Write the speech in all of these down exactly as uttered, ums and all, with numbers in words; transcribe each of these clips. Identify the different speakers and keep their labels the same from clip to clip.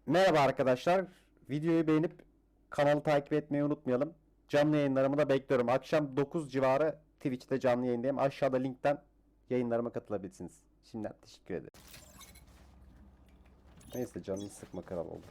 Speaker 1: Merhaba arkadaşlar. Videoyu beğenip kanalı takip etmeyi unutmayalım. Canlı yayınlarımı da bekliyorum. Akşam dokuz civarı Twitch'te canlı yayındayım. Aşağıda linkten yayınlarıma katılabilirsiniz. Şimdiden teşekkür ederim. Neyse canını sıkma kral oldu.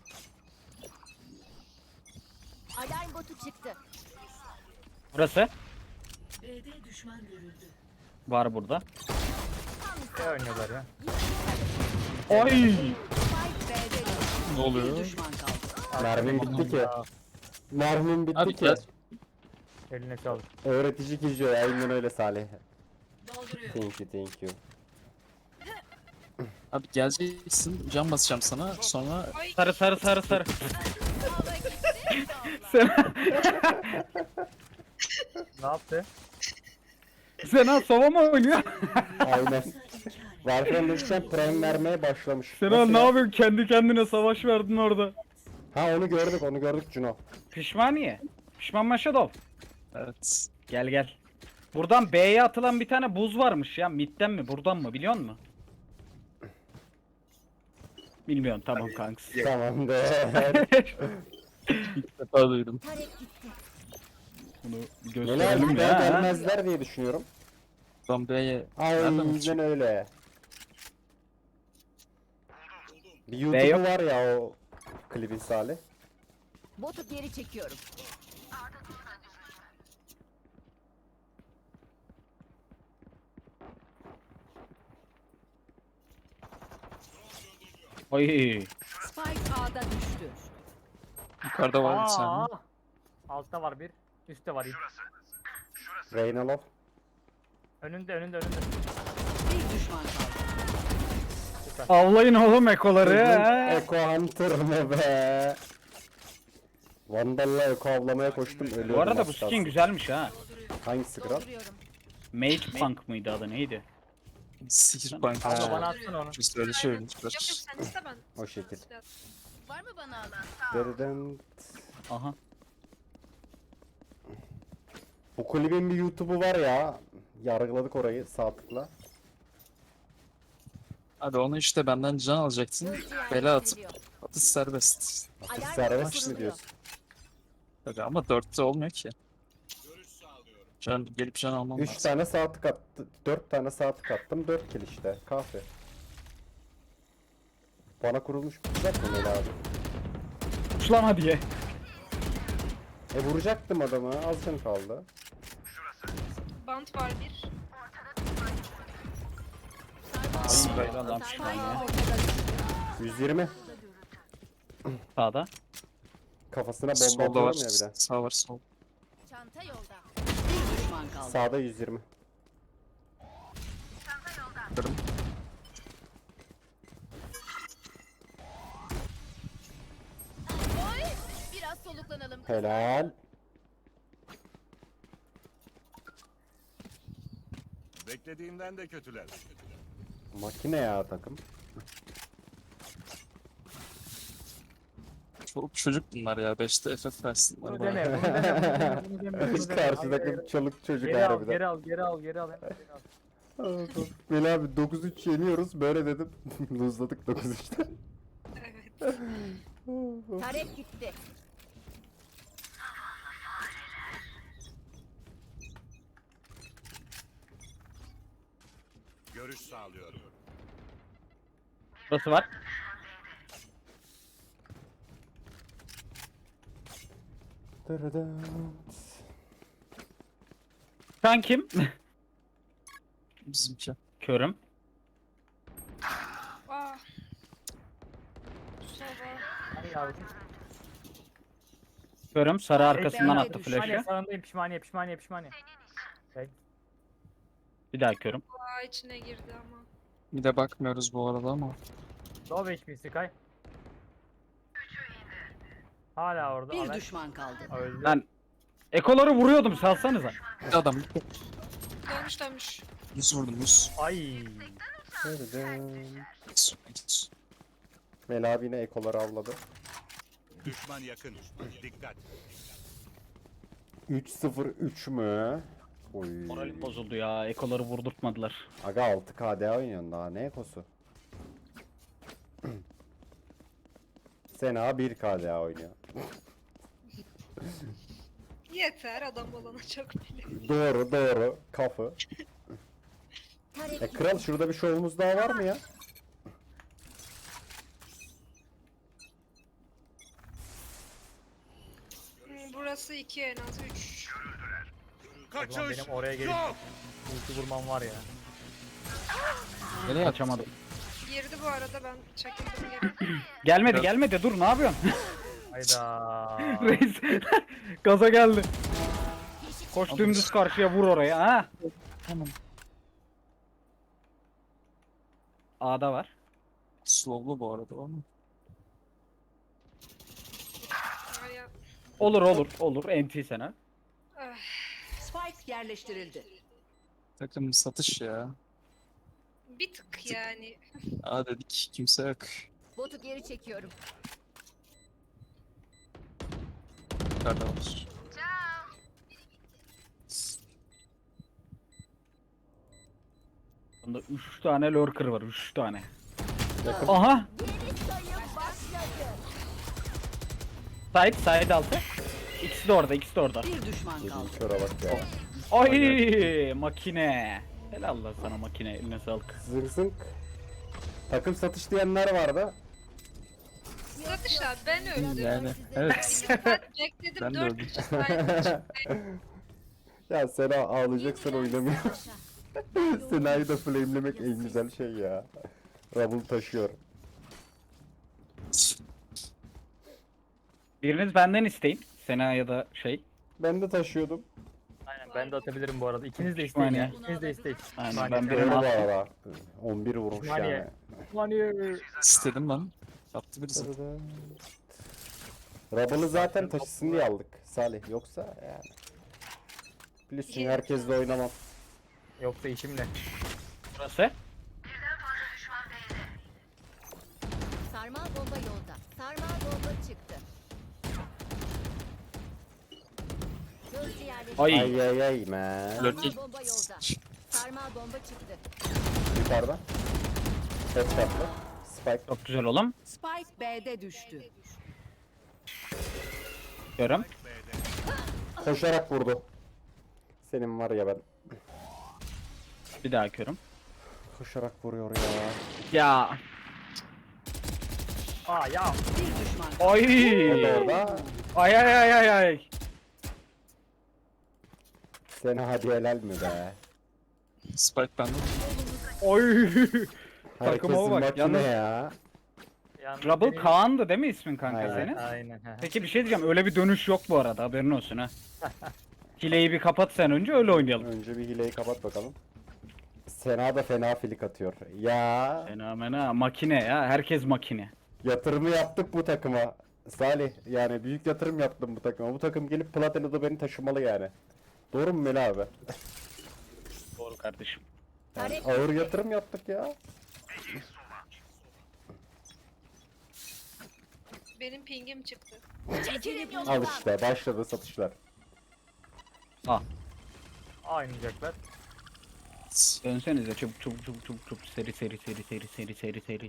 Speaker 2: Alarm botu çıktı.
Speaker 3: Burası
Speaker 4: B'de düşman görüldü.
Speaker 3: var burada.
Speaker 5: Ne oynuyorlar ya?
Speaker 3: Oy!
Speaker 2: Spike B'de düştü.
Speaker 6: Ne oluyor?
Speaker 2: Bir düşman kaldı.
Speaker 1: Mermim bitti ki.
Speaker 5: Ya,
Speaker 1: Mermim bitti
Speaker 6: Abi
Speaker 1: ki.
Speaker 6: gel.
Speaker 5: eline sağlık.
Speaker 1: Öğretici kişi aynen öyle Salih.
Speaker 4: Dolduruyor.
Speaker 1: Thank you, thank you.
Speaker 6: Abi geleceksin, cam basacağım sana, sonra
Speaker 3: Sarı sarı sarı sarı. Sen
Speaker 5: Ne yaptı?
Speaker 3: Sena sova mı oynuyor?
Speaker 1: Aynen. Warframe Legend Prime vermeye başlamış.
Speaker 3: Sena
Speaker 1: Nasıl
Speaker 3: ne
Speaker 1: ya?
Speaker 3: yapıyorsun? Kendi kendine savaş verdin orada.
Speaker 1: Ha onu gördük, onu gördük Cuno.
Speaker 3: Pişmaniye. Pişman Maşadov.
Speaker 6: evet.
Speaker 3: Gel gel. Buradan B'ye atılan bir tane buz varmış ya. Mid'den mi buradan mı biliyor musun? Bilmiyorum tamam kanks.
Speaker 1: Tamamdır.
Speaker 6: İlk defa duydum.
Speaker 2: Tarek gitti.
Speaker 3: Bunu
Speaker 1: Neler
Speaker 3: gösterelim
Speaker 1: gider
Speaker 3: ya.
Speaker 1: gelmezler diye düşünüyorum.
Speaker 6: Ben B'ye nereden
Speaker 1: Aynen
Speaker 6: açayım?
Speaker 1: öyle. Bir
Speaker 3: B
Speaker 1: YouTube'u
Speaker 3: yok.
Speaker 1: var ya o klibin Salih.
Speaker 2: Botu geri çekiyorum.
Speaker 3: Oy.
Speaker 2: Spike A'da düştü.
Speaker 6: Yukarıda var bir
Speaker 5: Aa,
Speaker 6: tane.
Speaker 5: altta var bir. Üstte var.
Speaker 1: Reynalov.
Speaker 5: Önünde önünde önünde.
Speaker 2: Bir düşman kaldı.
Speaker 3: Avlayın oğlum ekoları. ha.
Speaker 1: Eko Hunter mı be? Vandal'la Eko avlamaya koştum ölüyordum.
Speaker 3: Bu arada
Speaker 1: az
Speaker 3: bu
Speaker 1: kalsın.
Speaker 3: skin güzelmiş ha.
Speaker 1: Hangisi kral?
Speaker 2: Dolduruyorum.
Speaker 3: Mage Punk mıydı adı neydi?
Speaker 6: Sihir bank.
Speaker 1: Ha.
Speaker 5: Abla bana atsana onu.
Speaker 6: Biz öyle şey
Speaker 7: Yok yok
Speaker 6: oynuyoruz.
Speaker 7: sen iste ben.
Speaker 1: O şekil.
Speaker 2: Var mı bana alan?
Speaker 1: Dereden...
Speaker 3: Aha.
Speaker 1: Bu klibin bir YouTube'u var ya. Yargıladık orayı sağ tıkla.
Speaker 6: Abi onu işte benden can alacaksın. Bela atıp atış serbest.
Speaker 1: Atış
Speaker 2: Alarm
Speaker 1: serbest mi
Speaker 2: bozuluyor.
Speaker 1: diyorsun?
Speaker 6: Tabii ama dörtte olmuyor ki. Can gelip can almam
Speaker 1: üç
Speaker 6: lazım.
Speaker 1: tane sağ tık attı. dört tane sağ tık attım. dört kill işte. Kahve. Bana kurulmuş vuracak mı Meli abi?
Speaker 3: Uçlama diye.
Speaker 1: E vuracaktım adamı. Az canı kaldı.
Speaker 7: Bant var bir.
Speaker 6: Spray.
Speaker 3: Lan
Speaker 2: Spike
Speaker 3: pişmaniye.
Speaker 2: ortada düştü.
Speaker 1: yüz yirmi.
Speaker 3: Sağda.
Speaker 1: Kafasına bomba
Speaker 6: Solda
Speaker 1: atıyorum
Speaker 6: var.
Speaker 1: ya bir de.
Speaker 6: Sağ var sol.
Speaker 2: Çanta yolda. Bir düşman kaldı.
Speaker 1: Sağda yüz yirmi.
Speaker 6: Kırım.
Speaker 2: Oy! Biraz soluklanalım.
Speaker 1: Helal.
Speaker 8: Beklediğimden de kötüler.
Speaker 1: Makine ya takım.
Speaker 6: Çoluk çocuk bunlar ya. beşte F F versinler
Speaker 5: Bunu
Speaker 6: bana.
Speaker 5: deme. Bunu deme. Bunu deme. Bunu deme.
Speaker 1: Karşı
Speaker 5: Hayır,
Speaker 1: takım
Speaker 5: hayır.
Speaker 1: çoluk çocuk
Speaker 5: Geri al,
Speaker 1: harbiden.
Speaker 5: geri al, geri al, geri al, hemen geri al.
Speaker 1: Meli abi dokuz üç yeniyoruz. Böyle dedim. Luzladık dokuz üçte.
Speaker 7: Evet.
Speaker 2: Tarek gitti.
Speaker 8: Görüş sağlıyorum.
Speaker 3: Burası var. Sen kim?
Speaker 6: Bizimki.
Speaker 3: Körüm.
Speaker 7: Aa. Sova.
Speaker 5: Hadi yavrum.
Speaker 3: Körüm. Sarı arkasından
Speaker 2: Ben
Speaker 3: attı
Speaker 2: de
Speaker 5: Pişmaniye
Speaker 3: flash'ı.
Speaker 5: sağındayım. Pişmaniye, pişmaniye, pişmaniye. Bek.
Speaker 3: Bir daha körüm.
Speaker 7: Aa içine girdi ama.
Speaker 6: Bir de bakmıyoruz bu arada ama.
Speaker 5: Low H P Sky. Hala orada.
Speaker 2: Bir
Speaker 5: Alex.
Speaker 2: düşman kaldı.
Speaker 5: Öldü.
Speaker 3: Lan ekoları vuruyordum salsanıza.
Speaker 6: Bir adam.
Speaker 7: Dönmüş dönmüş.
Speaker 6: Yüz vurdum yüz.
Speaker 5: Ay.
Speaker 6: Yüz.
Speaker 1: Meli abi yine ekoları avladı.
Speaker 8: Düşman yakın. Dikkat.
Speaker 1: üç sıfır üç mü? Oy.
Speaker 3: Moralim bozuldu ya. Ekoları vurdurtmadılar.
Speaker 1: Aga altı K D oynuyorsun daha ne ekosu? Sena bir K daha oynuyor.
Speaker 7: Yeter adam olana çok bile.
Speaker 1: Doğru doğru. Kafı.
Speaker 2: Tarek
Speaker 1: E kral şurada bir şovumuz daha var mı ya?
Speaker 7: Hmm, Burası iki en az üç.
Speaker 5: O zaman
Speaker 8: Kaçış.
Speaker 5: benim oraya gelip
Speaker 8: Yok.
Speaker 5: ulti vurmam var ya.
Speaker 6: Nereye
Speaker 3: Açamadım.
Speaker 7: Girdi bu arada ben çekildim geri.
Speaker 3: Gelmedi
Speaker 6: Biraz-
Speaker 3: gelmedi dur ne yapıyorsun?
Speaker 5: Hayda.
Speaker 3: Reis gaza geldi. Koş dümdüz karşıya vur oraya ha.
Speaker 6: Tamam.
Speaker 3: A'da var.
Speaker 6: Slowlu bu arada ama.
Speaker 7: Ay ya.
Speaker 3: Olur olur olur enti sana.
Speaker 7: Ah,
Speaker 2: Spike yerleştirildi.
Speaker 6: Takım satış ya.
Speaker 7: bir tık yani.
Speaker 6: Aa dedik kimse yok.
Speaker 2: Botu geri çekiyorum.
Speaker 6: Yukarıda var.
Speaker 3: Bunda üç tane lurker var üç tane. Aha. Side side altı. İkisi de orada ikisi de orada.
Speaker 2: Bir düşman kaldı.
Speaker 1: Şura bak ya.
Speaker 3: Ay makine. Helal lan sana makine eline sağlık.
Speaker 1: Zınk zınk. Takım satış diyenler vardı.
Speaker 7: Satış abi ben öldüm.
Speaker 6: Yani evet.
Speaker 7: Ben bekledim
Speaker 6: Ben de
Speaker 7: dört
Speaker 6: öldüm.
Speaker 7: kişi saydım.
Speaker 1: Ya Sena ağlayacaksan oynamıyor. Sena'yı da flamelemek en güzel şey ya. Rubble taşıyor.
Speaker 3: Biriniz benden isteyin. Sena ya da şey.
Speaker 1: Ben de taşıyordum.
Speaker 5: Aynen ben de atabilirim bu arada. İkiniz de isteyin ya.
Speaker 3: Saniye.
Speaker 5: İkiniz de isteyin.
Speaker 3: Aynen,
Speaker 5: Saniye.
Speaker 3: ben
Speaker 1: Doğru
Speaker 3: birini
Speaker 1: bu
Speaker 3: attım.
Speaker 1: arada. on bir vurmuş
Speaker 5: Saniye.
Speaker 1: yani.
Speaker 5: Saniye.
Speaker 6: İstedim ben. Yaptı birisi.
Speaker 1: Rubble'ı zaten taşısın diye aldık Salih. Yoksa yani. Biliyorsun herkesle oynamam.
Speaker 5: Yoksa işim ne?
Speaker 3: Burası.
Speaker 2: Sarmal bomba yolda. Sarmal bomba çıktı. Gözcü yerleştirildi.
Speaker 3: Ay.
Speaker 1: Ay ay ay man.
Speaker 6: Lurk-
Speaker 2: Sarmal bomba yolda. Sarmal bomba çıktı.
Speaker 1: Yukarıda. Headshot'lı. Spike.
Speaker 3: Çok güzel oğlum.
Speaker 2: Spike B'de düştü.
Speaker 3: Görüm.
Speaker 1: Koşarak vurdu. Senin var ya ben.
Speaker 3: Bir daha körüm.
Speaker 1: Koşarak vuruyor ya.
Speaker 3: Ya.
Speaker 5: Aa ya.
Speaker 2: Bir düşman kaldı.
Speaker 1: O da
Speaker 3: Ay.
Speaker 1: orada.
Speaker 3: Ay ay ay ay ay.
Speaker 1: Sena hadi helal mi be?
Speaker 6: Spike bende.
Speaker 3: Oy.
Speaker 1: Herkesin
Speaker 3: bak,
Speaker 1: makine
Speaker 3: yalnız-
Speaker 1: ya.
Speaker 5: Yalnız
Speaker 3: Rubble
Speaker 5: benim-
Speaker 3: Kaan'dı değil mi ismin kanka
Speaker 1: Aynen.
Speaker 3: senin?
Speaker 5: Aynen. he.
Speaker 3: Peki bir şey diyeceğim öyle bir dönüş yok bu arada haberin olsun ha. Hileyi bir kapat sen önce öyle oynayalım.
Speaker 1: Önce bir hileyi kapat bakalım. Sena da fena filik atıyor. Ya
Speaker 3: Fenomena makine ya herkes makine.
Speaker 1: yatırımı yaptık bu takıma. Salih yani büyük yatırım yaptım bu takıma. Bu takım gelip Platina'da beni taşımalı yani. Doğru mu Mel abi?
Speaker 3: Doğru kardeşim.
Speaker 1: Yani
Speaker 2: Tarek
Speaker 1: ağır yatırım yaptık ya.
Speaker 7: Benim pingim çıktı.
Speaker 2: çekilin
Speaker 1: Al
Speaker 2: yolundan.
Speaker 1: işte başladı satışlar.
Speaker 5: A oynayacaklar.
Speaker 3: Dönsenize çabuk çabuk çabuk çabuk çabuk seri seri seri seri seri seri seri.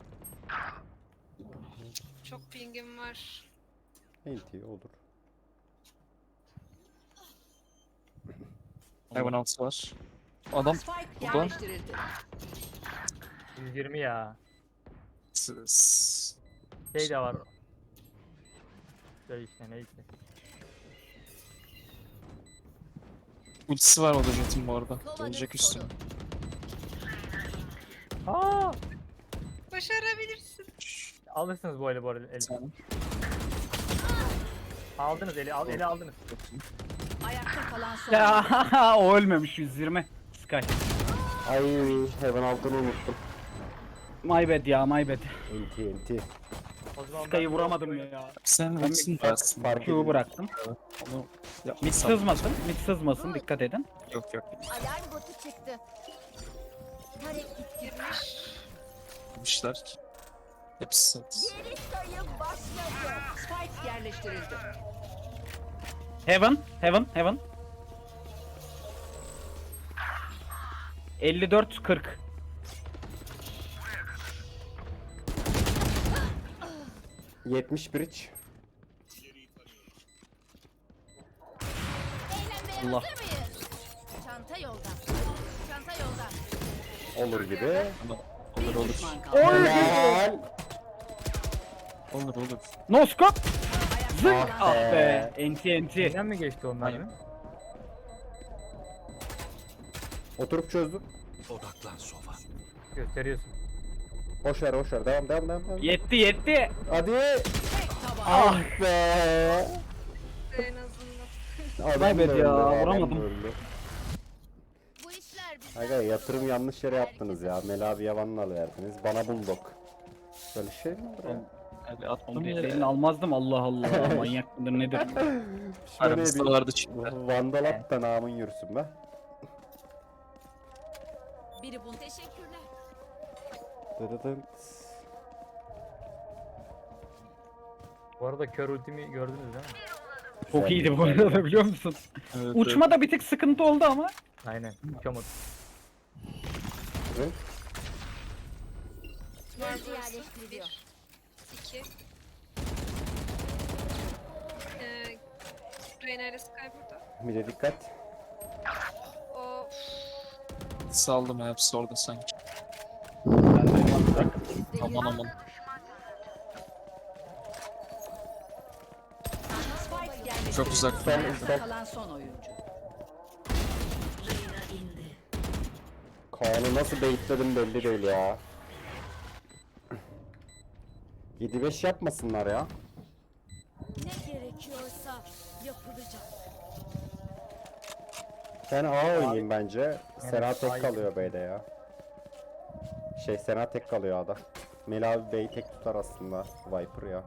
Speaker 7: Çok pingim var.
Speaker 1: Enti olur.
Speaker 6: Hayvan altı var. Adam
Speaker 2: Spike
Speaker 6: Burada.
Speaker 2: yerleştirildi.
Speaker 5: yüz yirmi ya.
Speaker 6: s- s-
Speaker 5: Şey de var. Şey işte neyse.
Speaker 6: ultisi var o da Jet'in bu arada.
Speaker 2: Kovanın
Speaker 6: Gelecek üstüne.
Speaker 2: sonu.
Speaker 5: Aa!
Speaker 7: Başarabilirsin.
Speaker 5: Alırsınız bu eli bu arada. Eli.
Speaker 6: Sen
Speaker 5: Aldınız eli, al, eli aldınız.
Speaker 2: Ayakta kalan son.
Speaker 3: Ya o ölmemiş yüz yirmi. Sky.
Speaker 1: Ay Heaven altını unuttum.
Speaker 3: My bad ya my bad.
Speaker 1: Enti enti.
Speaker 5: O zaman
Speaker 3: Sky'ı
Speaker 5: ben-
Speaker 3: vuramadım ya.
Speaker 6: sen
Speaker 3: Ben
Speaker 6: ultisini
Speaker 3: bir-
Speaker 6: versin.
Speaker 1: Fark
Speaker 3: Q'yu
Speaker 1: edin.
Speaker 3: bıraktım.
Speaker 6: Onu
Speaker 3: Mid
Speaker 6: yapmasam.
Speaker 3: sızmasın. Mid sızmasın dikkat edin.
Speaker 6: Yok yok.
Speaker 2: Alarm botu çıktı. Tarek gitti.
Speaker 7: Girmiş.
Speaker 6: Yapmışlar ki. Hepsi sat.
Speaker 2: Geri sayım başladı. Spike yerleştirildi.
Speaker 3: Heaven, Heaven, Heaven. elli dört kırk.
Speaker 1: yetmiş bridge.
Speaker 2: Eğlenmeye
Speaker 3: Allah.
Speaker 2: hazır mıyız? Çanta yolda. Çanta yolda.
Speaker 1: Olur gibi.
Speaker 6: Olur olur.
Speaker 1: Helal.
Speaker 6: Olur olur.
Speaker 3: No scope. Zık.
Speaker 1: Ah
Speaker 3: Ah
Speaker 1: be.
Speaker 3: be. Enti enti.
Speaker 5: Neden mi geçti onlar
Speaker 6: Aynen.
Speaker 5: mı?
Speaker 1: Oturup çözdüm.
Speaker 8: Odaklan sofa.
Speaker 5: Gösteriyorsun.
Speaker 1: Boş ver boş ver. Devam devam devam. devam.
Speaker 3: Yetti yetti.
Speaker 1: Hadi. Ah be.
Speaker 7: En azından.
Speaker 1: Adam
Speaker 3: Kaybet
Speaker 1: da
Speaker 3: ya,
Speaker 1: öldü, adam
Speaker 3: vuramadım.
Speaker 1: da öldü.
Speaker 2: Bu işler bizden.
Speaker 1: Aga yatırım yanlış yere yaptınız ya. Melabi yavanla verdiniz. Bana bulldog. Böyle şey mi olur ya?
Speaker 6: Abi attım
Speaker 3: Oğlum
Speaker 6: yere.
Speaker 3: elini almazdım Allah Allah. Manyak mıdır nedir?
Speaker 1: Şöyle
Speaker 6: Aramızda
Speaker 1: bir
Speaker 6: vardı çünkü.
Speaker 1: vandal at da namın yürüsün be.
Speaker 2: Biri bunu teşekkürler.
Speaker 1: Dırıdınt.
Speaker 5: Bu arada kör ultimi gördünüz değil mi?
Speaker 3: Çok iyiydi bu arada biliyor musun?
Speaker 6: Evet,
Speaker 3: Uçma da bir tık sıkıntı oldu ama.
Speaker 5: Aynen. Uçamadım.
Speaker 1: Dırıdınt.
Speaker 2: Gözcü yerleştiriliyor.
Speaker 7: İki. Ee, Reyna ile Sky burada.
Speaker 1: Bir de dikkat.
Speaker 7: O
Speaker 6: Saldım hepsi orada sanki. Aman aman. Çok uzak.
Speaker 1: Son, son.
Speaker 9: Kalan son oyuncu.
Speaker 4: Reyna indi.
Speaker 1: Kaan'ı nasıl baitledim belli değil ya. yedi beş yapmasınlar ya.
Speaker 2: Ne gerekiyorsa yapılacak.
Speaker 1: Ben A oynayayım bence. Sena
Speaker 5: A'yı-
Speaker 1: tek kalıyor B'de ya. Şey Sena tek kalıyor A'da. Melabi B'yi tek tutar aslında. Viper ya.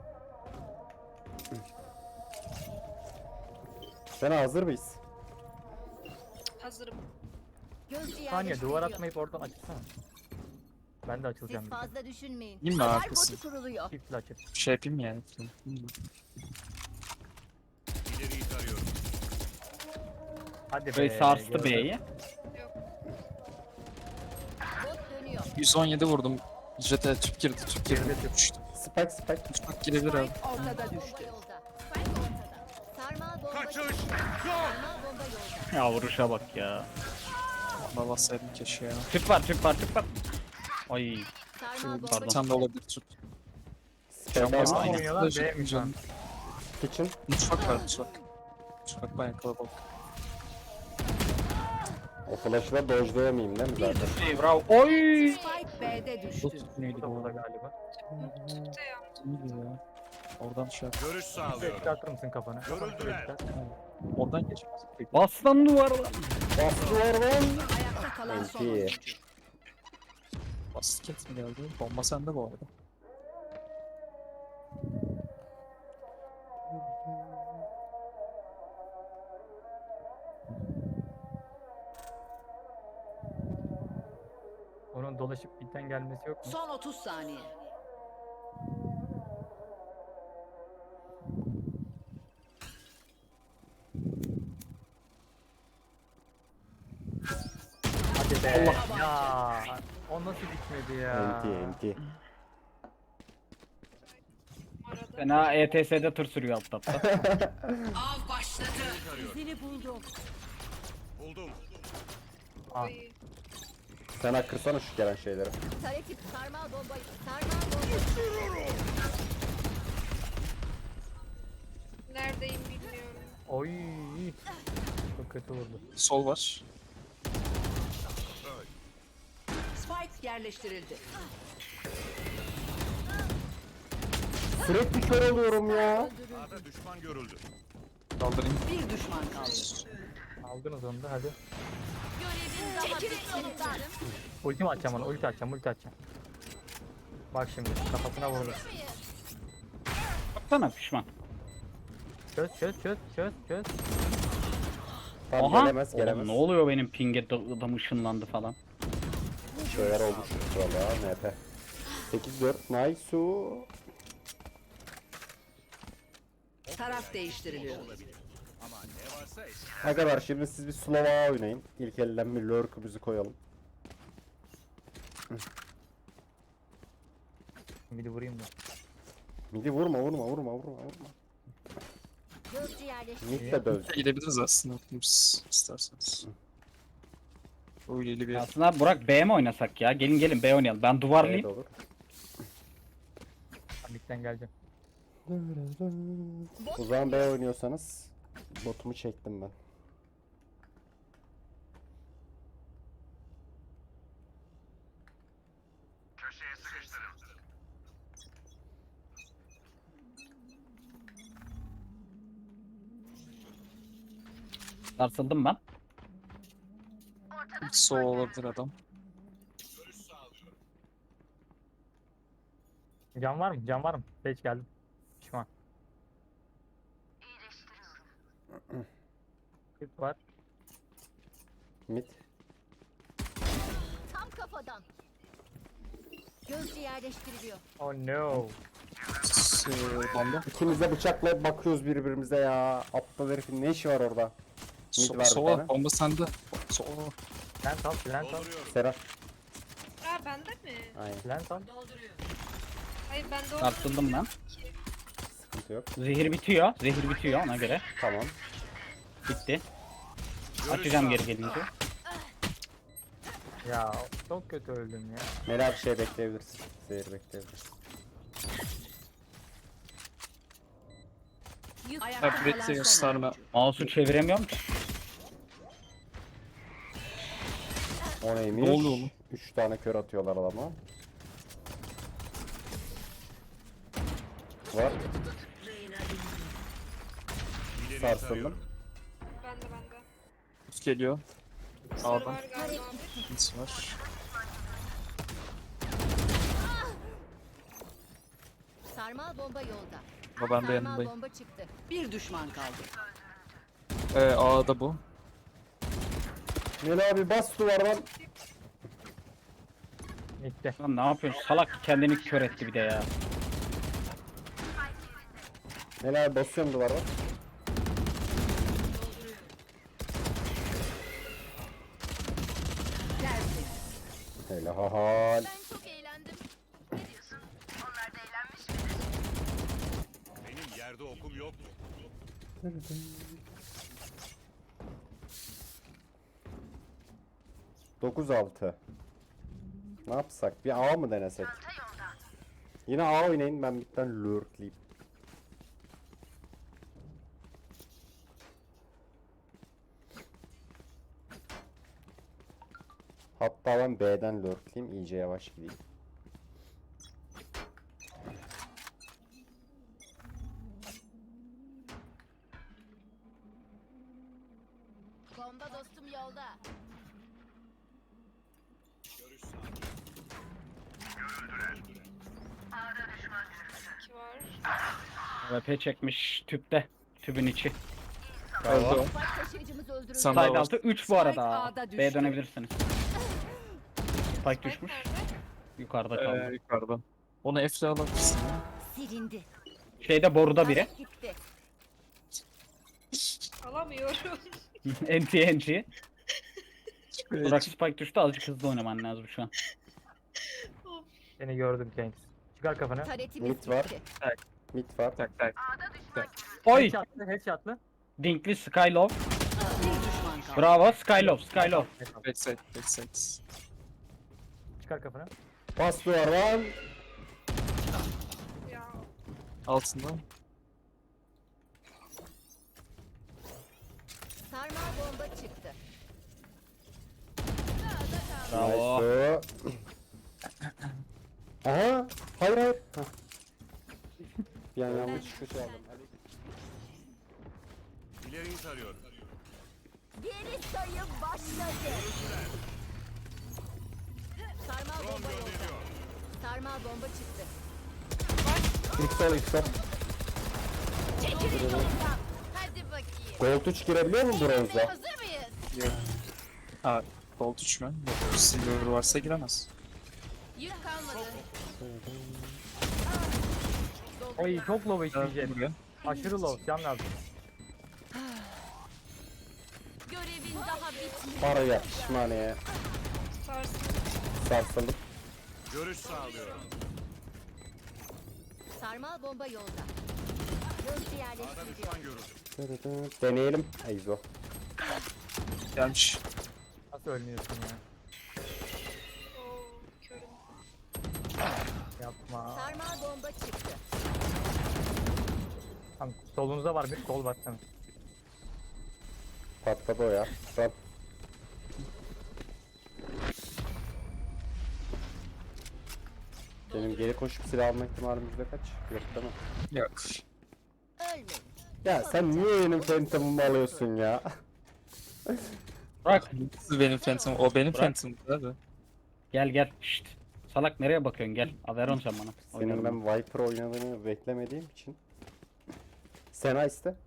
Speaker 1: Sena hazır mıyız?
Speaker 7: hazırım.
Speaker 2: Gözcü
Speaker 5: Saniye
Speaker 2: yerleştiriliyor.
Speaker 5: duvar atmayıp oradan açılsana. Ben de açılacağım.
Speaker 2: Siz
Speaker 5: bir de.
Speaker 2: fazla düşünmeyin.
Speaker 6: Değil mi
Speaker 2: Alarm
Speaker 6: arkası?
Speaker 2: botu kuruluyor.
Speaker 5: Çiftli açıp.
Speaker 6: Şey yapayım yani.
Speaker 8: İleriyi tarıyorum.
Speaker 5: Hadi be.
Speaker 3: Böyle sarstı
Speaker 5: gördüm.
Speaker 3: B'yi.
Speaker 2: Bot dönüyor.
Speaker 6: yüz on yedi vurdum. Jet'e tüp girdi tüp girdi.
Speaker 5: Girdi, tüp.
Speaker 6: Düştü.
Speaker 1: Spike spike.
Speaker 6: Uçmak girebilir abi.
Speaker 9: Ortada
Speaker 2: Bomba
Speaker 9: düştü.
Speaker 2: yolda. Spike ortada. Sarmal bomba
Speaker 8: Kaçış!
Speaker 2: çıktı. Sarmal bomba yolda.
Speaker 3: Ya vuruşa bak ya.
Speaker 6: Valla bassaydım keşke ya.
Speaker 3: Tüp var tüp var tüp var. Ay
Speaker 2: Sarmal bomba
Speaker 6: Bir
Speaker 3: Pardon.
Speaker 6: tane de olabilir tut.
Speaker 1: Spike
Speaker 6: Can
Speaker 5: A
Speaker 6: bas
Speaker 1: var.
Speaker 6: aynı.
Speaker 5: oynuyorlar,
Speaker 6: Flash
Speaker 5: B mi
Speaker 6: yapınca-
Speaker 5: şu an?
Speaker 1: Kitchen.
Speaker 6: Mutfak var mutfak. Mutfak bayağı kalabalık.
Speaker 1: O flash'ı da dodge'layamayayım değil mi zaten?
Speaker 3: şey bravo. Oy.
Speaker 9: Spike B'de düştü.
Speaker 6: Tut neydi
Speaker 5: Bu da
Speaker 6: bu
Speaker 5: burada
Speaker 6: arada?
Speaker 5: galiba.
Speaker 7: Tüpte ya.
Speaker 6: Neydi ya? Oradan şey yap.
Speaker 8: Görüş
Speaker 5: Şuraya
Speaker 8: sağlıyorum.
Speaker 5: çıkartır mısın kafanı? Kafanı şuraya
Speaker 8: Görüldüler.
Speaker 5: çıkart.
Speaker 6: Oradan geçmez.
Speaker 3: Bas lan duvarla.
Speaker 1: Bastılar lan.
Speaker 9: Ayakta kalan son
Speaker 1: Enti.
Speaker 9: oyuncu.
Speaker 6: Basket mi geldi? Bomba sende bu arada.
Speaker 5: Onun dolaşıp bitten gelmesi yok mu?
Speaker 9: Son otuz saniye.
Speaker 5: Hadi be. Ya. O nasıl bitmedi ya?
Speaker 1: Enti enti.
Speaker 7: Arada.
Speaker 3: Fena E T S'de tır sürüyor alt tapta.
Speaker 9: Av başladı.
Speaker 2: izini buldum.
Speaker 8: Buldum.
Speaker 5: Ah.
Speaker 7: Oy.
Speaker 1: Sena kırsana şu gelen şeyleri.
Speaker 2: Tarekip sarmal bomba. Sarmal bomba.
Speaker 7: Neredeyim bilmiyorum.
Speaker 5: Oy. Çok kötü vurdu.
Speaker 6: Sol var.
Speaker 9: Spike yerleştirildi.
Speaker 1: Sürekli kör oluyorum ya.
Speaker 8: A'da düşman görüldü.
Speaker 6: Kaldırayım.
Speaker 9: Bir düşman kaldı.
Speaker 5: Aldınız onu da hadi.
Speaker 2: Görevin daha bitmedi.
Speaker 5: Ultimi atacağım ona. Ulti atacağım. Ulti atacağım. Bak şimdi kafasına vurdu.
Speaker 3: Baksana pişman.
Speaker 5: Çöz çöz çöz çöz çöz.
Speaker 1: Tam
Speaker 3: Aha.
Speaker 1: gelemez
Speaker 3: Oğlum,
Speaker 1: gelemez.
Speaker 3: ne oluyor benim pinge da- adam ışınlandı falan.
Speaker 1: Şeyler olmuş valla N P. sekiz dört nice.
Speaker 9: Taraf değiştiriliyor.
Speaker 8: Ama ne varsa eski.
Speaker 1: Arkadaşlar şimdi siz bir slow A oynayın. İlk elden bir lurk'ümüzü koyalım.
Speaker 5: Bir de vurayım da.
Speaker 1: Midi vurma vurma vurma vurma vurma.
Speaker 2: Gözcü yerleştir.
Speaker 1: Mid de döv.
Speaker 6: Gidebiliriz aslında hepimiz isterseniz. Öyleli bir
Speaker 3: Aslında Burak B mi oynasak ya? Gelin gelin B oynayalım. Ben
Speaker 1: Evet
Speaker 3: duvarlayayım.
Speaker 1: olur.
Speaker 5: Mid'den geleceğim.
Speaker 1: O zaman B oynuyorsanız botumu çektim ben.
Speaker 3: Sarsıldım ben.
Speaker 6: sol olabilir adam.
Speaker 5: Can var mı? Can var mı? Geç geldim. Pişman. Kırk var.
Speaker 1: Mid.
Speaker 2: Tam kafadan. Gözcü yerleştiriliyor.
Speaker 5: Oh no.
Speaker 6: S- Bomba.
Speaker 1: İkimiz de bıçakla bakıyoruz birbirimize ya. Aptal herifin ne işi var orada? Mid
Speaker 6: So
Speaker 1: var bir
Speaker 6: sola
Speaker 1: tane.
Speaker 6: bomba sende. Sola.
Speaker 5: Lens al, lens al,
Speaker 8: Dolduruyorum.
Speaker 1: Serap.
Speaker 7: Aa bende mi?
Speaker 1: Aynen.
Speaker 5: lens al.
Speaker 4: Dolduruyor.
Speaker 7: Hayır bende olduğunu
Speaker 3: Sarsıldım ben.
Speaker 1: Sıkıntı yok.
Speaker 3: Zehir bitiyor. Zehir bitiyor ona göre.
Speaker 1: Tamam.
Speaker 3: Bitti.
Speaker 8: Görüş
Speaker 3: Açacağım geri
Speaker 8: sağlıyorum.
Speaker 3: gelince.
Speaker 5: Ya çok kötü öldüm ya.
Speaker 1: Mela bir şey bekleyebilirsin. Zehir bekleyebilirsin.
Speaker 9: Ayakta
Speaker 6: Ha,
Speaker 9: kalan
Speaker 6: Brett'i
Speaker 9: son
Speaker 6: gösterme.
Speaker 9: oyuncu.
Speaker 3: Mouse'u çeviremiyorum ki.
Speaker 1: O neymiş?
Speaker 6: Ne oluyor oğlum?
Speaker 1: Üç tane kör atıyorlar adama. Var.
Speaker 8: İleriyi
Speaker 1: Sarsıldım.
Speaker 8: tarıyorum.
Speaker 7: bende bende.
Speaker 6: Geliyor.
Speaker 7: Sarı
Speaker 6: A'dan.
Speaker 7: var galiba.
Speaker 6: Hits var.
Speaker 2: Sarmal bomba yolda.
Speaker 6: Ama ben de
Speaker 2: Sarmal
Speaker 6: yanındayım.
Speaker 2: bomba çıktı.
Speaker 9: Bir düşman kaldı.
Speaker 6: Ee, A'da bu.
Speaker 1: Mela abi bas duvardan.
Speaker 5: Mid'de.
Speaker 3: Lan ne yapıyorsun? Salak kendini kör etti bir de ya.
Speaker 1: Mela abi basıyorum duvardan. Helal.
Speaker 2: Ben çok eğlendim.
Speaker 8: Benim yerde okum yok.
Speaker 1: dokuz altı. Ne yapsak? Bir A mı denesek? Yine A oynayın, ben bitten lurkleyeyim. Hatta ben B'den lurkleyeyim, iyice yavaş gideyim.
Speaker 2: Bomba dostum yolda.
Speaker 7: İki var.
Speaker 3: V P çekmiş tüpte. Tübün içi.
Speaker 6: Öldü o.
Speaker 2: Spike taşıyıcımız öldürüldü.
Speaker 6: Sen daha
Speaker 3: Side
Speaker 6: var.
Speaker 3: altı üç bu arada.
Speaker 9: Spike A'da
Speaker 3: B
Speaker 9: düştü.
Speaker 3: dönebilirsiniz. Spike düşmüş.
Speaker 7: Nerede?
Speaker 3: Yukarıda
Speaker 6: Ee,
Speaker 3: kaldı.
Speaker 6: yukarıdan. Onu F'le alabilirsin.
Speaker 2: Silindi.
Speaker 3: Şeyde boruda biri.
Speaker 2: Tarek gitti.
Speaker 7: Alamıyorum.
Speaker 3: N T N G. Burak Spike düştü, azıcık hızlı oynaman lazım şu an.
Speaker 5: Seni gördüm Kengs. Çıkar kafanı.
Speaker 2: Taretimiz
Speaker 1: Mid var.
Speaker 2: gitti.
Speaker 1: Mid var.
Speaker 6: Tak tak.
Speaker 3: Oy!
Speaker 5: Headshot'lı, headshot'lı.
Speaker 3: Dinkli Skylove.
Speaker 9: Bir düşman kaldı.
Speaker 3: Bravo Skylove, Skylove.
Speaker 6: Backside, backside.
Speaker 5: Çıkar kafanı.
Speaker 1: Bas duvardan.
Speaker 7: Ya
Speaker 6: Altında.
Speaker 2: Sarmal bomba çıktı.
Speaker 3: Bravo.
Speaker 1: Nice. Aha. Hayır hayır. Hah. Bir an yanlış bir şey aldım.
Speaker 8: İleriyi tarıyorum.
Speaker 2: Geri sayım başladı. Sarmal bomba yolda. Sarmal bomba çıktı.
Speaker 1: İlk sol ilk sol.
Speaker 2: Çekilin yoldan. Hadi bakayım.
Speaker 1: Gold üç girebiliyor mu bronzda?
Speaker 2: Hazır mıyız?
Speaker 6: Ha, Gold üç mü? Yok, Silver varsa giremez.
Speaker 2: Yük kalmadı.
Speaker 5: Oy çok low
Speaker 6: Ha,
Speaker 5: işleyecek.
Speaker 6: buraya.
Speaker 5: Aşırı low. Can lazım.
Speaker 2: Görevin daha bitmedi.
Speaker 1: Paraya, pişmaneye,
Speaker 7: sarsın.
Speaker 1: sarsıldım.
Speaker 8: Görüş sağlıyorum.
Speaker 2: Sarmal bomba yolda. Gözcü
Speaker 8: A'da
Speaker 2: yerleştiriliyor.
Speaker 8: düşman görüldü.
Speaker 1: Deneyelim Eyzo.
Speaker 6: Gelmiş.
Speaker 5: Nasıl ölmüyorsun ya?
Speaker 7: Oo, körüm.
Speaker 5: Yapma.
Speaker 2: Sarmal bomba çıktı.
Speaker 5: Tamam, solunuzda var bir sol bak tamam.
Speaker 1: Patladı o ya. Sen. Benim geri koşup silah alma ihtimalim yüzde kaç? Yok değil mi?
Speaker 6: Yok.
Speaker 2: Ölmeyin.
Speaker 1: Ya sen niye benim Phantom'ımı alıyorsun ya?
Speaker 3: Bırak.
Speaker 6: Siz benim Phantom. O benim
Speaker 3: Bırak.
Speaker 6: Phantom abi.
Speaker 3: Gel gel. Şşt. Salak nereye bakıyorsun gel. Averon sen bana.
Speaker 1: Senin
Speaker 3: Oynarım
Speaker 1: ben Viper oynadığını beklemediğim için. Sena iste.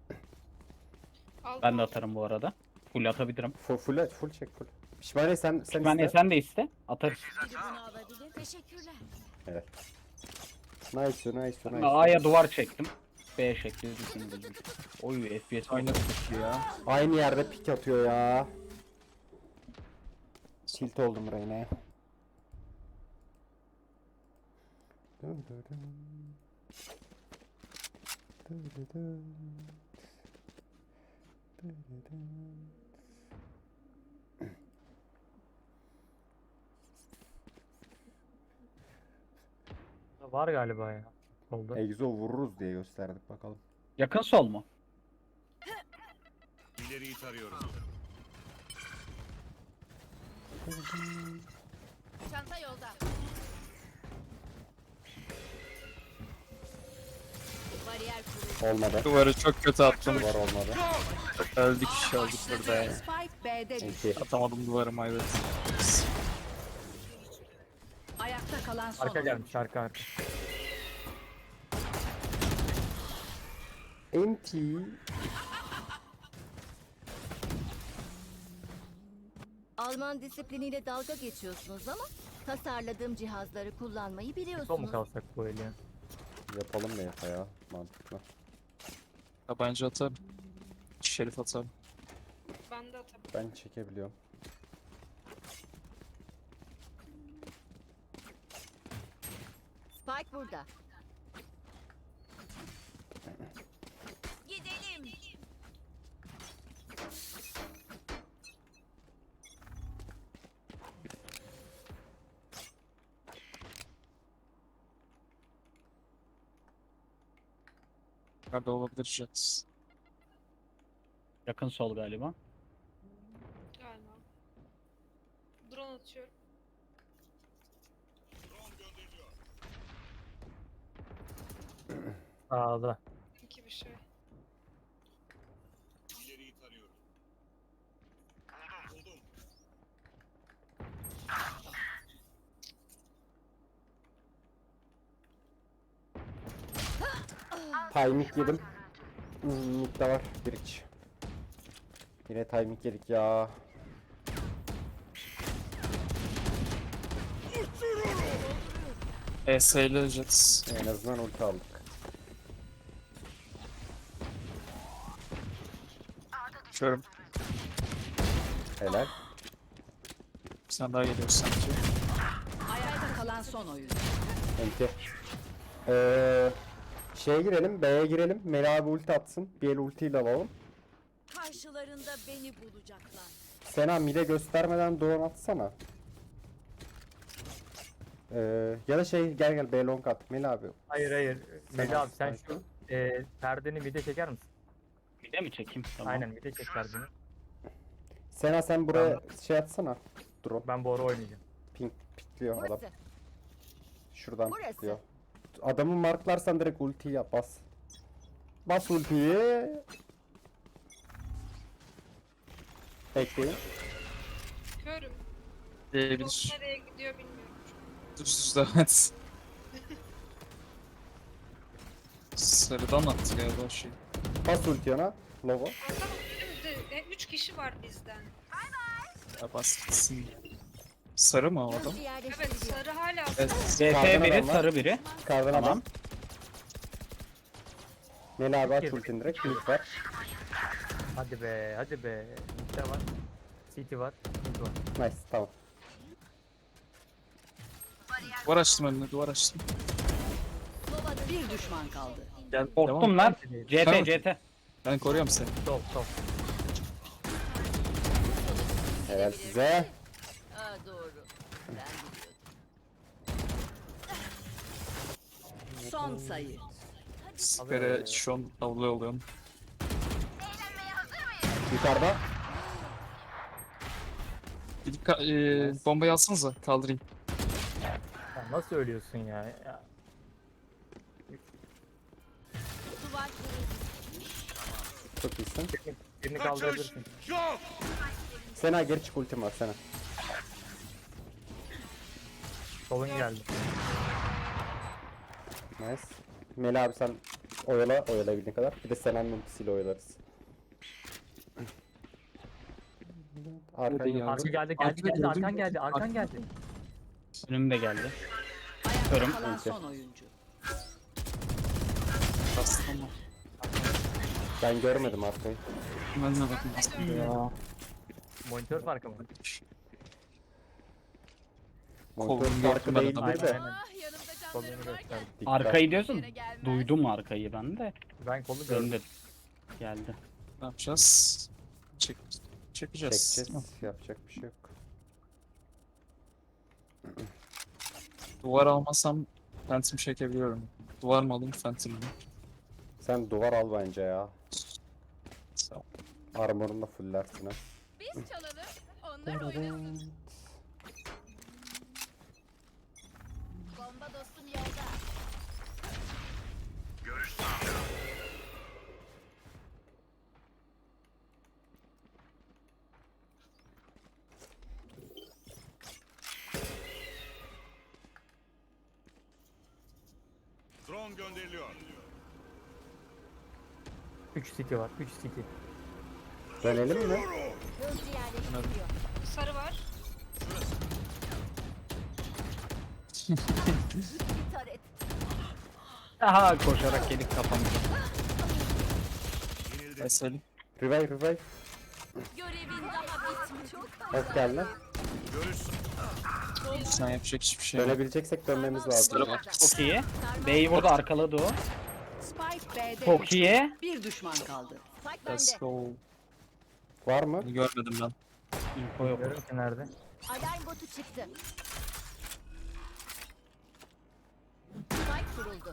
Speaker 7: Al
Speaker 3: Ben de
Speaker 7: bunu.
Speaker 3: atarım bu arada. Full atabilirim.
Speaker 1: Full, full, full çek full. Pişmaniye sen, sen
Speaker 3: Ben
Speaker 1: iste.
Speaker 3: sen de iste. Atarız.
Speaker 2: Biri bunu alabilir. Teşekkürler.
Speaker 1: Evet. Nice, nice,
Speaker 3: Ben
Speaker 1: nice.
Speaker 3: A'ya duvar çektim. B'ye şekli düşündüm. Oy F P S
Speaker 6: Aynen.
Speaker 3: oynadık ya.
Speaker 1: Aynı yerde pik atıyor ya. Tilt oldum Reyna'ya. Dın dın dın. Dın dın dın. Dın dın dın.
Speaker 5: Var galiba ya. Solda.
Speaker 1: Exo vururuz diye gösterdik bakalım.
Speaker 3: Yakın sol mu?
Speaker 8: İleriyi tarıyorum.
Speaker 2: Çanta yolda. Bariyer kuruldu.
Speaker 1: Olmadı.
Speaker 6: Duvarı çok kötü attım.
Speaker 1: Duvar olmadı.
Speaker 6: Öldük öldük burada ya.
Speaker 9: Spike B'de düştü.
Speaker 1: İki.
Speaker 6: Atamadım duvarıma evet.
Speaker 9: Ayakta kalan son
Speaker 5: Arka
Speaker 9: oyuncu.
Speaker 5: gelmiş arka arka.
Speaker 1: Enti.
Speaker 2: Alman disipliniyle dalga geçiyorsunuz ama tasarladığım cihazları kullanmayı
Speaker 5: Sol mu
Speaker 2: biliyorsunuz.
Speaker 5: kalsak bu eli ya?
Speaker 1: Yapalım da yapa ya. Mantıklı.
Speaker 6: Tabanca atarım. Şerif atarım.
Speaker 7: Ben de atarım.
Speaker 1: Ben çekebiliyorum.
Speaker 2: Spike burada. Gidelim.
Speaker 6: Nerede olabilir Jet?
Speaker 3: Yakın sol galiba.
Speaker 7: Galiba. Drone atıyorum.
Speaker 5: Sağda.
Speaker 7: İki bir şey.
Speaker 8: İleriyi tarıyorum. Buldum.
Speaker 1: Timing yedim. Hmm, mid de var. Bir iç. Yine timing yedik ya.
Speaker 6: E S ile Jet.
Speaker 1: En azından ulti aldık.
Speaker 6: Körüm.
Speaker 1: Helal.
Speaker 6: Bir tane daha geliyor sanki.
Speaker 9: Ayakta kalan son oyuncu.
Speaker 1: Enti. Ee, şeye girelim. B'ye girelim. Meli abi ulti atsın. Bir el ultiyle alalım.
Speaker 2: Karşılarında beni bulacaklar.
Speaker 1: Sena mid'e göstermeden drone atsana. Ee, ya da şey gel gel B long at. Meli abi.
Speaker 5: Hayır hayır. Meli
Speaker 1: al,
Speaker 5: abi sen
Speaker 1: sen
Speaker 5: şu e, perdeni mide çeker misin?
Speaker 3: Bir de mi çekeyim? Tamam.
Speaker 5: Aynen mide çek perdeni.
Speaker 1: Sena sen buraya şey atsana. Drone.
Speaker 5: Ben bu ara oynayacağım.
Speaker 1: Pink pikliyor adam.
Speaker 2: Burası.
Speaker 1: Şuradan
Speaker 2: Burası.
Speaker 1: pikliyor. Adamı marklarsan direkt ultiyi yap bas. Bas ultiyi. Bekleyin.
Speaker 7: Körüm.
Speaker 6: Diyebilir.
Speaker 7: Drone nereye gidiyor bilmiyorum.
Speaker 6: Düz düz devam et. Sarıdan attı galiba şey.
Speaker 1: Bas ulti yana. Logo.
Speaker 7: Atalım dedim de e, üç kişi var bizden.
Speaker 6: Ya bas gitsin. Sarı mı o adam?
Speaker 2: Gözcü
Speaker 7: Evet
Speaker 2: yerleştiriliyor.
Speaker 7: sarı hala
Speaker 6: Evet.
Speaker 3: D
Speaker 1: Kardan
Speaker 3: T biri
Speaker 1: adam var.
Speaker 3: sarı biri.
Speaker 1: Kardan
Speaker 3: Tamam.
Speaker 1: adam. Meli abi aç
Speaker 5: Girdi.
Speaker 1: ultini direkt. Mid var.
Speaker 5: Hadi be hadi be. Mid'de var. City var. Mid var.
Speaker 1: Nice tamam.
Speaker 6: Duvar açtım önüne duvar açtım.
Speaker 2: Sova'nın
Speaker 9: Bir düşman kaldı.
Speaker 6: Gel,
Speaker 3: Korktum
Speaker 6: devam.
Speaker 3: lan. C T
Speaker 6: Tamam.
Speaker 3: C T.
Speaker 6: Ben koruyorum seni.
Speaker 5: Top top.
Speaker 1: Helal size.
Speaker 2: Aa, doğru. Ben biliyordum.
Speaker 9: Son sayı.
Speaker 6: Sipere şu an avlıyor oluyorum.
Speaker 1: Yukarıda.
Speaker 6: Gidip ka- e, bombayı alsanıza kaldırayım.
Speaker 5: Ya nasıl ölüyorsun ya? ya.
Speaker 2: Duvar kırıldı.
Speaker 1: Çok iyisin.
Speaker 5: Birini
Speaker 8: Kaçış
Speaker 5: kaldırabilirsin.
Speaker 8: yok.
Speaker 1: Sena geri çık, ultim var Sena.
Speaker 5: Solun geldi.
Speaker 1: Nice. Meli abi sen oyala, oyalayabildiğin kadar. Bir de Sena'nın ultisiyle oyalarız. Arkan
Speaker 6: Burada
Speaker 1: yok.
Speaker 5: Arka geldi geldi
Speaker 6: Arkada
Speaker 5: geldi.
Speaker 6: gördüm.
Speaker 5: Arkan geldi. Arkan geldi.
Speaker 3: Önüm de geldi.
Speaker 9: Ayakta
Speaker 3: Körüm.
Speaker 9: kalan
Speaker 1: Neyse.
Speaker 9: son oyuncu.
Speaker 6: Bastım ama.
Speaker 1: Ben görmedim arkayı.
Speaker 6: Ben de bakın aslında ya.
Speaker 5: Monitör farkı mı?
Speaker 1: Monitör
Speaker 6: Kolum
Speaker 1: farkı
Speaker 6: gördüm ben
Speaker 1: değildir
Speaker 6: adamı.
Speaker 1: de.
Speaker 5: Aynen.
Speaker 2: Yanımda
Speaker 5: Kolunu
Speaker 2: canlarım varken.
Speaker 5: gösterdi.
Speaker 1: Dikkat.
Speaker 3: Arkayı diyorsun. Duydum arkayı ben de.
Speaker 5: Ben kolu gördüm.
Speaker 3: Döndüm. Geldi.
Speaker 6: Ne yapacağız? Çek, çekeceğiz.
Speaker 1: Çekeceğiz. Yapacak bir şey yok.
Speaker 6: Duvar almasam Phantom çekebiliyorum. Duvar mı alayım Phantom mı?
Speaker 1: Sen duvar al bence ya.
Speaker 6: Sağ ol.
Speaker 1: Armor'unu da fullersin ha.
Speaker 2: Biz çalalım. Onlar oynasın. Bomba dostum yolda.
Speaker 8: Görüş sağlıyorum. Drone gönderiliyor.
Speaker 5: üç city var. üç city.
Speaker 1: Dönelim mi?
Speaker 2: Hızlı yerleştiriliyor.
Speaker 7: Sarı var.
Speaker 2: Bir taret.
Speaker 3: Aha koşarak gelip kapamış.
Speaker 8: Yenildi.
Speaker 6: Veselim.
Speaker 1: Revive revive.
Speaker 2: Görevin daha bitmiş. Çok
Speaker 1: Hoş geldin.
Speaker 8: Görüş
Speaker 6: Sen yapacak hiçbir şey yok.
Speaker 1: Dönebileceksek dönmemiz lazım. ya.
Speaker 3: Çok iyi. B'yi burada arkaladı o.
Speaker 9: Spike B'de
Speaker 3: Çok
Speaker 9: düştü.
Speaker 3: iyi.
Speaker 9: Bir düşman kaldı.
Speaker 2: Spike
Speaker 6: Let's
Speaker 2: bende.
Speaker 6: go.
Speaker 1: Var mı?
Speaker 6: Bunu görmedim ben.
Speaker 3: Info yok.
Speaker 5: Görüyorum ki nerede?
Speaker 2: Alarm botu çıktı. Spike kuruldu.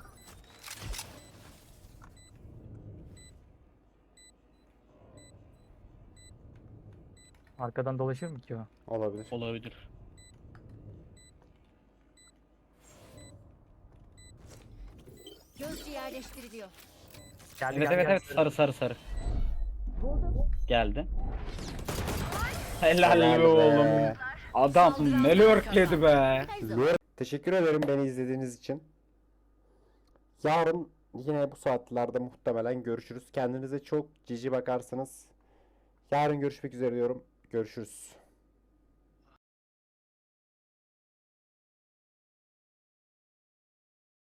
Speaker 5: Arkadan dolaşır mı ki o?
Speaker 1: Olabilir.
Speaker 3: Olabilir.
Speaker 2: Gözcü yerleştiriliyor.
Speaker 5: Geldi
Speaker 3: Evet
Speaker 5: geldi
Speaker 3: evet
Speaker 5: geldi.
Speaker 3: evet sarı sarı sarı. Geldi. Helal
Speaker 1: Helal
Speaker 3: be
Speaker 1: be.
Speaker 3: oğlum. Adam ne lurkledi be.
Speaker 1: Lure- Teşekkür ederim beni izlediğiniz için. Yarın yine bu saatlerde muhtemelen görüşürüz. Kendinize çok cici bakarsanız. Yarın görüşmek üzere diyorum. Görüşürüz.